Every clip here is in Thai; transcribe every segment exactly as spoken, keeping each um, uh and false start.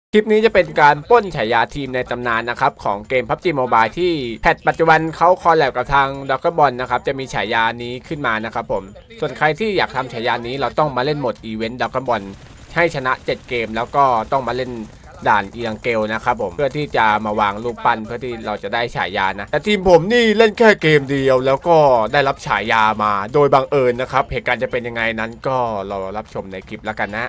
คลิปนี้จะเป็นการปล้นฉายาทีมในตำนานนะครับของเกม พับจี Mobile ที่แพทปัจจุบันเขาคอลแลบกับทางด็อกเกอร์บอลนะครับจะมีฉายานี้ขึ้นมานะครับผมส่วนใครที่อยากทำฉายานี้เราต้องมาเล่นโหมดอีเวนต์ด็อกเกอร์บอลให้ชนะเจ็ดเกมแล้วก็ต้องมาเล่นด่านอีลังเกลนะครับผมเพื่อที่จะมาวางลูกปั้นเพื่อที่เราจะได้ฉายานะแต่ทีมผมนี่เล่นแค่เกมเดียวแล้วก็ได้รับฉายามาโดยบังเอิญนะครับเหตุการณ์จะเป็นยังไงนั้นก็รอรับชมในคลิปแล้วกันนะ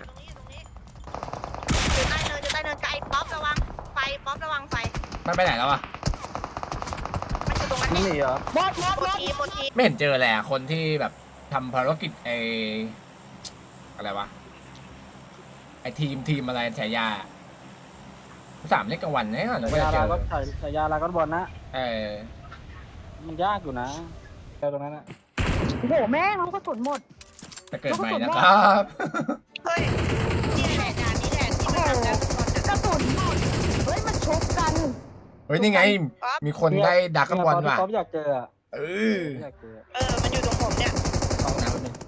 อยู่ใต้เนินอยู่ใต้เนินไกลป๊อประวังไฟป๊อประวังไฟมันไปไหนแล้วอะมันอยู่ตรงนั้นนี่นี่เหรอหมดหมดหมดทีหมดทีไม่เห็นเจอเลยอะคนที่แบบทำภารกิจไออะไรวะไอทีมทีมอะไรฉายาสามเล็กกลางวันเนี่ยหนูฉาไม่ยาได้เจลาอก็ฉายาลาก็บอลนะเออมันยากอยู่นะแค่ตรงนั้นนะโอ้โหแม่งลูกกระสุนหมดจะเกิดใหม่นะครับเฮ้ยนี่แหละด่านนี้แหละที่มันทำแล้วทุกคนกระสุนหมดเฮ้ยมันชกกันเฮ้ยนี่ไง มีคนได้ดักกลางวันว่ะป๊อปอยากเจออะเอออยากเจอเออมันอยู่ตรงผมเนี่ยสองน้ำนึง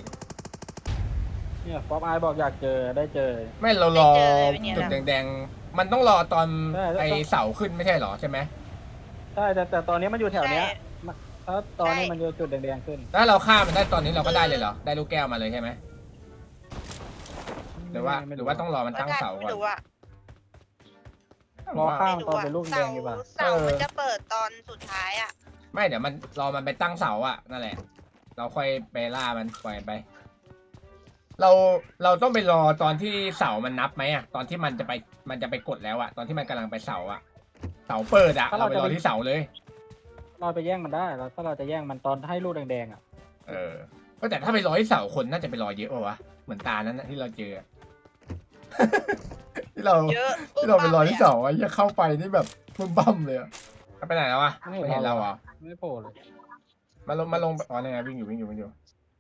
เนี่ยป๊อปไอบอกอยากเจอได้เจอไม่เรารอจุดแดงๆมันต้องรอตอนไอเสาขึ้นไม่ใช่หรอใช่ไหมใช่แต่แต่ตอนนี้มันอยู่แถวเนี้ยถ้าตอนนี้มันอยู่จุดแดงๆขึ้นถ้าเราฆ่ามันได้ตอนนี้เราก็ได้เลยเหรอได้ลูกแก้วมาเลยใช่ไหมหรือว่าหรือว่าต้องรอมันตั้งเสาก่อนไม่รู้อะรอข้ามไม่ตอนรู้เป็นลูกแดงดีกว่าเสามันจะเปิดตอนสุดท้ายอะไม่เดี๋ยวมันรอมันไปตั้งเสาอะนั่นแหละ เราค่อยไปล่ามันปล่อยไป เราเราต้องไปรอตอนที่เสามันนับไหมอะตอนที่มันจะไปมันจะไปกดแล้วอะตอนที่มันกำลังไปเสาอะเสาเปิดอะเราไปรอที่เสาเลยเราไปแย่งมันได้แล้วถ้าเราจะแย่งมันตอนให้ลูกแดงๆอ่ะเออก็แต่ถ้าไปรอที่เสาคนน่าจะไปรอเยอะป่าวะเหมือนตานั้นนะที่เราเจอ ที่เราเยอะที่เราไปรอที่เสาอะจะเข้าไปนี่แบบบึ้มบั้มเลยอะไปไหนแล้ววะไม่เห็นเราอ่ะไม่โผล่เลยมาลงมาลงอ๋อนี่ไงวิ่งอยู่วิ่งอยู่วิ่งอยู่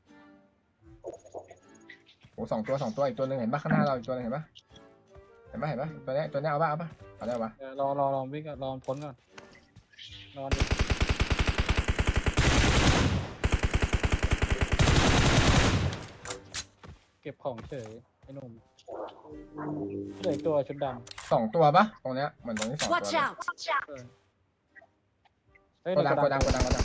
โอ้สองตัวสองตัวอีกตัวหนึ่งเห็นปะข้างหน้าเราอีกตัวหนึงเห็นปะเห็นปะเห็นปะตัวนี้ตัวนี้เอาปะเอาปะเอาได้ปะเออรอรอรอวิ่งก่อนรอพ้นก่อนรอดิเก็บของเฉยไอ้หนุ่มเหลืออีกตัวชุดดำสองตัวปะตรงเนี้ยเหมือนตรงนี้สองตัว watch เลย out เฮ้ยโกดังโกดังโกดังโกดัง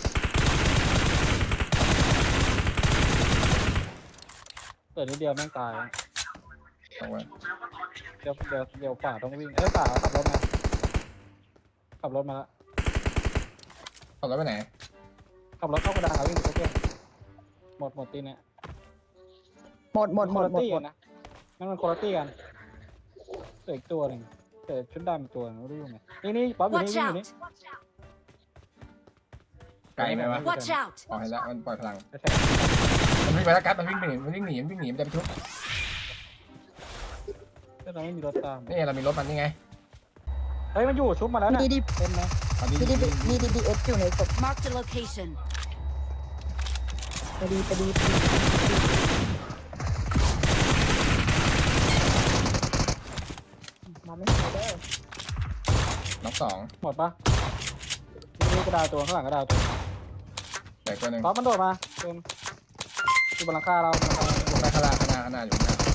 เปิดนิดเดียวแม่งตายเอาไว้เดี๋ยวเดี๋ยวเดี๋ยวป่าต้องวิ่งเอ้ยป่าขับรถมาขับรถมาแล้วเอาแล้วไปไหนขับรถเข้ากระดาษวิ่งไปเพื่อนหมดหมดตีเนี่ยหมดหมดหมดหมดตี้หมกัดนนะนั่นมันคนละตี้กันเหลืออีกตัวหนึ่งแต่ชุดดำอีกตัวหนึงไม่รู้อยู่ไหนนี่นี่ป๊อปอยู่นี่ watch วิ่งอยู่ out นี่ไกลไหมวะ watch out ออกให้แล้วมันปล่อยพลังไม่ใช่มันวิ่งไปแล้วกัดมันวิ่งไปหนีมันวิ่งหนีมันวิ่งหนีมันจะไปทุบแต่เราไม่มีรถตามนี่เรามีรถมันนี่ไงเฮ้ยมันอยู่ชุบมาแล้วนะดีดีเต็มนะเอาดีดีดีดีดีดีดีเอสอยู่ในศพ mark the location ไปดีไปดีไปดีมาไม่ทันเด้อน้องสองหมดปะนี่กระดาษตัวข้างหลังกระดาษตัวแต่ตัวหนึ่งป๊อปมันโดดมาเต็มอยู่บนหลังคาเราบนหลังคาเราไปข้างล่างข้างหน้าข้างหน้าอยู่ข้างหน้า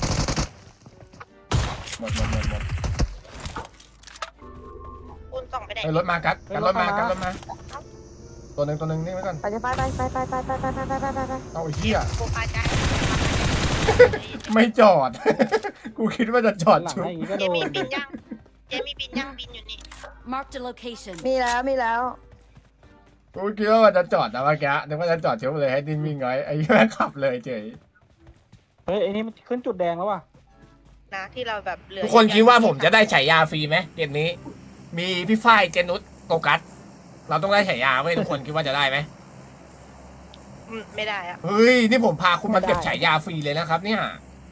หมดหมดหมดหมดคุณส่องไปไหนเฮ้ยรถมากัดกัดรถมากัดรถมาตัวหนึ่งตัวหนึ่งนี่ไว้ก่อนไปไปไปไปไปไปไปไปไปไปไปไปเอาไอ้เหี้ยโคพาใจไม่จอด กูคิดว่าจะจอดหลังชุบให้อย่างงี้ก็เจโดนมีบินยังเจมีบินยังบินอยู่นี่ mark the location มีแล้วมีแล้วกูคิดว่ามันจะจอดนะเมื่อกี้นึกว่าจะจอดชุบเลยให้ดินวิ่งไว้ไอ้แม่งขับเลยเฉยเฮ้ยไอ้นี่มันขึ้นจุดแดงแล้วว่ะนะที่เราแบบเหลือทุกคนคิดว่าผมจะได้ฉายาฟรีไหมเกมนี้ มีพี่ฝ้ายเจนุสโตกัสเราต้องได้ฉายาไว้ทุกคนคิดว่าจะได้ไหมอืมไม่ได้อะเฮ้ยนี่ผมพาคุณมาเก็บฉายาฟรีเลยนะครับเนี่ย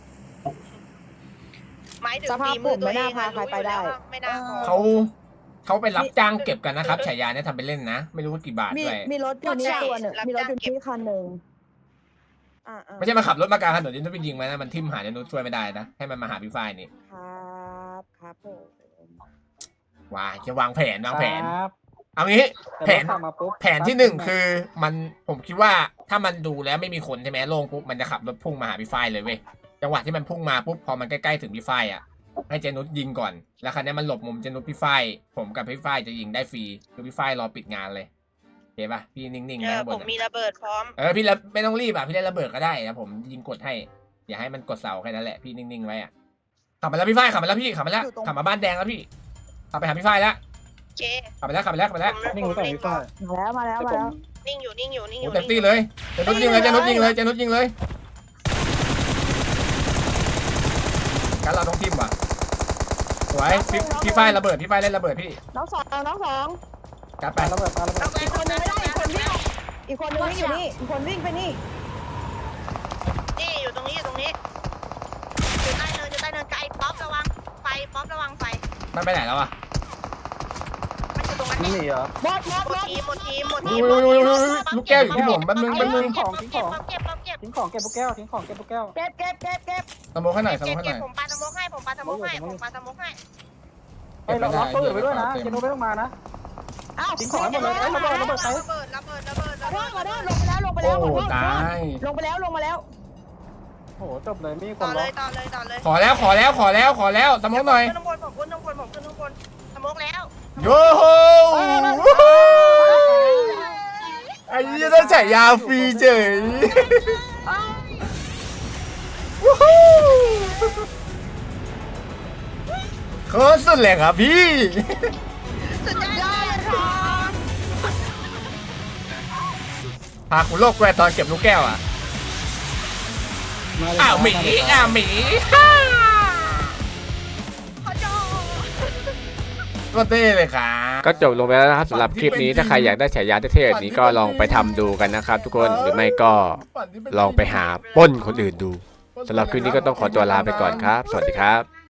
หมายถึงฝีมือตัวเองอะรู้อยู่แล้วว่าไม่น่าพอเขาเขาไปรับจ้างเก็บกันนะครับฉายาเนี่ยทำไปเล่นนะ ไม่รู้ว่ากี่บาทมีด้วยมีรถอยู่นี่ตัวหนึ่งมีรถอยู่ที่คันหนึ่งอ่าไม่ใช่มาขับรถมากลางถนนนี่ต้องไปยิงมันนะมันทิ่มหาเจนุสช่วยไม่ได้นะให้มันมาหาพี่ฝ้ายนี่ครับครับผมว้ายจะวางแผนวางแผนครับเอางี้แต่แผนรถขับมาปุ๊บแผนที่หนึ่งคือมันผมคิดว่าถ้ามันดูแล้วไม่มีคนใช่ไหมโล่งปุ๊บมันจะขับรถพุ่งมาหาพี่ฝ้ายเลยเว้ยจังหวะที่มันพุ่งมาปุ๊บพอมันใกล้ๆถึงพี่ฝ้ายอ่ะให้เจนุสยิงก่อนแล้วคราวนี้มันหลบมุมเจนุสพี่ฝ้ายผมกับพี่ฝ้ายจะยิงได้ฟรีคือพี่ฝ้ายรอปิดงานเลยโอเคป่ะพี่นิ่งๆเอนะอข้างบผนมอะมีระเบิดพร้อมเออพี่ละไม่ต้องรีบอ่ะพี่เล่นระเบิดก็ได้นะผมยิงกดให้อย่าให้มันกดเสาแค่นั้นแหละพี่นิ่งๆไว้อ่ะขับมาแล้วพี่ฝ้ายขับมาแล้วพี่ขับมาแล้วขับมาบ้านแดงแล้วพี่ขับไปหาพี่ฝ้ายแล้วเจขับไปแล้วขับไปแล้วขับไปแล้วผมนิ่งผไว้มก่อนนิ่งพี่ฝ้ายมาแล้วมาแล้วแต่มาผมแล้วนิ่งอยู่นิ่งอยู่นิ่งอโอ้ยู่เต็มที่เลยเจนุสยิงเลยเจนุสยิงเลยเจนุสยิงเลยการเราต้องทิมว่ะสวยพี่พี่ฝ้ายระเบิดพี่ฝ้ายเล่นระเบิดพี่น้องสองน้องสองกัดไปปาระเบิดปาระเบิดเอาไปอีกคนนึงไม่ได้อีกคนวิ่งอีกคนนึงวิ่งอยู่นี่อีกคนวิ่งไปนี่นี่อยู่ตรงนี้อยู่ตรงนี้อยู่ใต้เนินอยู่ใต้เนินไกลป๊อประวังไฟป๊อประวังไฟมันไปไหนแล้วอ่ะมันอยู่ตรงนั้นนี่เนี่ยเหรอหมดหมดหมหมดดทีมหมดทีมหมดอุ้ทียมอุ้ยอุ้ยอุ้ยลูกแก้วอยู่ที่ผมแป๊บนึงแป๊บนึงเก็บเก็บเก็บเก็บทิ้งของเก็บพวกแก้วทิ้งของเก็บพวกแก้วเก็บเก็บเก็บเก็บสโมกให้หน่อยสโมเก็กบให้หเก็น่บอยผมปาสโมกให้ผมปาสโมกให้ผมปาสโมกให้เฮ้ยเราล็อกตู้อื่นไปด้วยนะเจนุสไม่ต้องมานะอ้าวทิ้งของให้หมดเลยเอ้ยระเบิดระเบิดใครระเบิดระเบิดระเบิดขอระโทเบิษดขอโทษลงไปแล้วลงไปแล้วโอ้ขอโทษตายลงไปแล้วลงมาแล้วโอ้โหจบเลยมีคต่อน เลล็อย กต่อเลยต่อเลยขอแล้วขอแล้วขอแล้วขอแล้วสโมกหน่อยขึ้นข้างบนผมขึ้นข้างบนผมขึ้นข้างบนสโมกแล้วโยโฮไอ้ยี่ต้องฉายาฟรีเฉยวู้ฮู้โคตรสุดเลยครับพี่สุดยอดเลยค่ะพาคุณโลกแกวตอนเก็บลูกแก้วอ่ะมาเลยอ้าวหมีมาเลยอ้าวหมีเขาโจก็เต้เลยครับก็จบลงไปแล้วนะครับสำหรับคลิปนี้ถ้าใครอยากได้ฉายาเท่ๆแบบนี้ก็ลองไปทำดูกันนะครับทุกคนหรือไม่ก็ลองไปหาปล้นคนอื่นดูสำหรับคลิปนี้ก็ต้องขอตัวลาไปก่อนครับ สวัสดีครับ